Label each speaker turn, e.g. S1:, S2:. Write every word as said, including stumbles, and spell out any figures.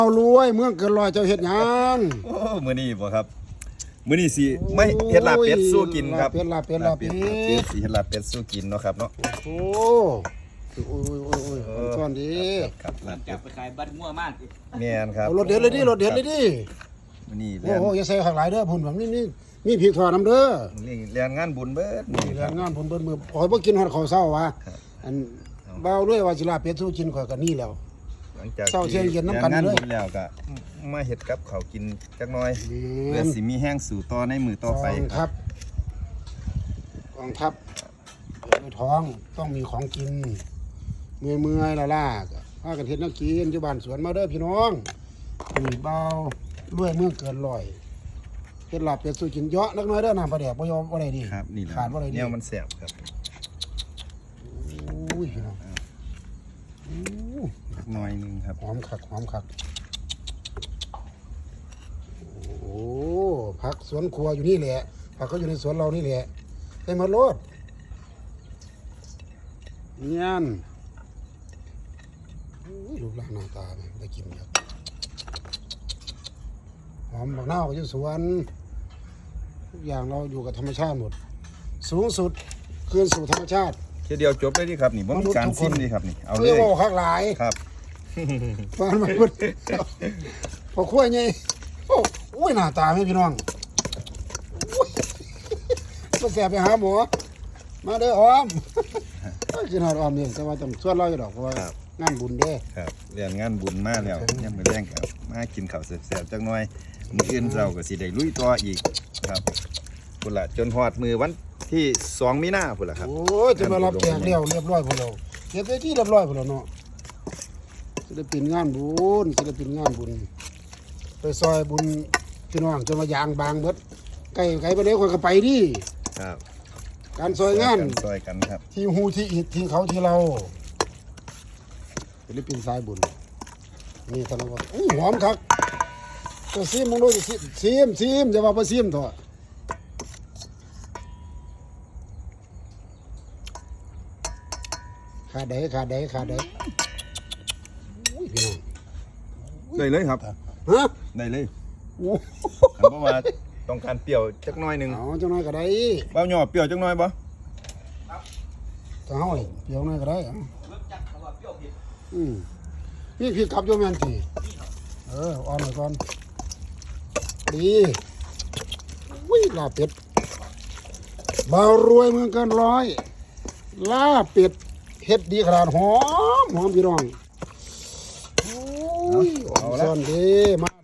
S1: เอารวยเมืองเกินร้อยเจ้าเฮ็ดหยัง
S2: โอ้มื้อนี้บ่ครับมื้อนี้สิไม่เฮ็ดลาบเป็ดสู้กินครับ
S1: เป็ดลาบเป็ดลาบเป็ด
S2: สิเฮ็ดลาบเป็ดสู้กินเนาะครับเนาะ
S1: โอ้โอ้ยโอ้ยโอ้ยโอ้ยซ่อนดี
S2: ครับลาบเป็
S3: จั
S2: ด
S3: บไปขายบัตรมั่วมาก
S2: แม่นครับ
S1: เอารถเด็ดเลยดิรถเด็ดเลยดิ
S2: มื้อนี้
S1: โอ้
S2: เรียน
S1: โหอย่าใส่ข้างหลายเด้อพุ่นแบบนี้นี่มีพริกทอดน้ำเด้อ
S2: เรียนงานบุญเบิด
S1: นี่แรงงานพุ่นเบิ้นมือขอยบ่กินฮอดข้าวเช้าวะอันเบาด้วยว่าสิลาบเป็ดสู้กินข่อยก็นี่แล้ว
S2: หลังจาก
S1: เศร้าเที่ยงเย็นน้ำกัน
S2: รีงาน
S1: เลย
S2: บุญแล้วก็มาเฮ็ดกับข้าวกินจักหน่อยเพื่อ
S1: นี่
S2: สิมีแห้งสู่ต่อในมือต่อไป
S1: กอง
S2: ค
S1: ทั
S2: รั
S1: พ
S2: บ
S1: กองทัพเปิดด้วยท้องต้องมีของกินเมื่อยเมื่อยละล่าก็พากันเฮ็ดแนักกินอยู่บ้านสวนมาเด้อพี่น้องนี่เบาด้วยเมืองเกินร้อยเฮ็ดลาบเป็ดสู้กินเยอะนักน้อยเด้อน้ำปลาแดกบ่ยอมบ่ได้ดิ
S2: ครับนี่แหละ
S1: ขาดบ่ได้ดิ
S2: แนวมันแซ่บครับ
S1: อุ้ยพี่น้องอู้
S2: จักหน่อยหนึงครับ
S1: หอมคักหอมคักโอ้ผักสวนครัวอยู่นี่แหละผักก็อยู่ในสวนเรานี่แหละให้มาโลดเนียนอุ้ยรูปร่างหน้าตาเนี่ยได้กินครับหอมบักนาวก็อยู่สวนทุกอย่างเราอยู่กับธรรมชาติหมด สูงสุดคืนสู่ธรรมชาติ
S2: แค่เดียวจบเลยดิครับนี่บ่มีการซิมดิครับนี่เอาเล
S1: เรียก
S2: ย
S1: ว่าคักหลาย
S2: ครับ
S1: ฟังมาพูดพอขั้วไงโอ้โอ้ยหน้าตาไม่พี่น้องอุ้ยมาแสบไปหาหมอมาเด้อออมกินหอดออมเนี่ยแต่ว่าต้องชวนเราอยู่ดอกเพราะว่างานบุญเด้
S2: ครับเรียนงานบุญมาแล้วยังมื้อแรงครับมากินข้าวแซ่บๆจักหน่อยมื้ออื่นเช้าก็สิได้ลุยต่ออีกครับพุ่นล่ะจนฮอดมือวันที่สองมีนาพุ่นล่ะครับ
S1: โอ้ยจะมารับแจกเรียวเรียบร้อยพวกเราเก็บได้ที่เรียบร้อยพวกเราเนาะศิลปินงานบุญศิลปินงานบุญไปซอยบุญพี่น้องจนมายางบางเบิดไก่ไก่ไปเลยคนก็ไปดิ
S2: ครับ
S1: การซอยงาน
S2: ซอยกันครับ
S1: ที่หูที่อิดที่เขาที่เราศิลปินสายบุญนี่ท่านว่าอู้หอมครับก็ซีมมึงด้วยซีซีมซีมอย่าว่าไปซีมเถอะขาดใดขาดใดขาดใดอุ้ยพี่น้อง
S2: ได้เลยครับ
S1: ฮะ
S2: ได้เลย
S1: โอ้
S2: คันบ่ว่าต้องการเปรี้ยวจักหน่อยหนึง
S1: เอาจังน้อยก็ได้
S2: เบ้าหย่อเปรี้ยวจักหน่อยบ่
S1: จะเอาเลยเปรี้ยวน้อยก็ได้เอา
S3: รสจัดเขาว่าเปรี้ยวเผ็ด
S1: อืมนี่พี่กลับโยมแมนทีเอออ่อนหน่อยก่อนดีวิ่งลาบเป็ดเบารวยเมืองเกินร้อยลาบเป็ดเฮ็ดดีขนาดหอมหอมพี่น้องโอ้ยอ่อนซ่อนดีมา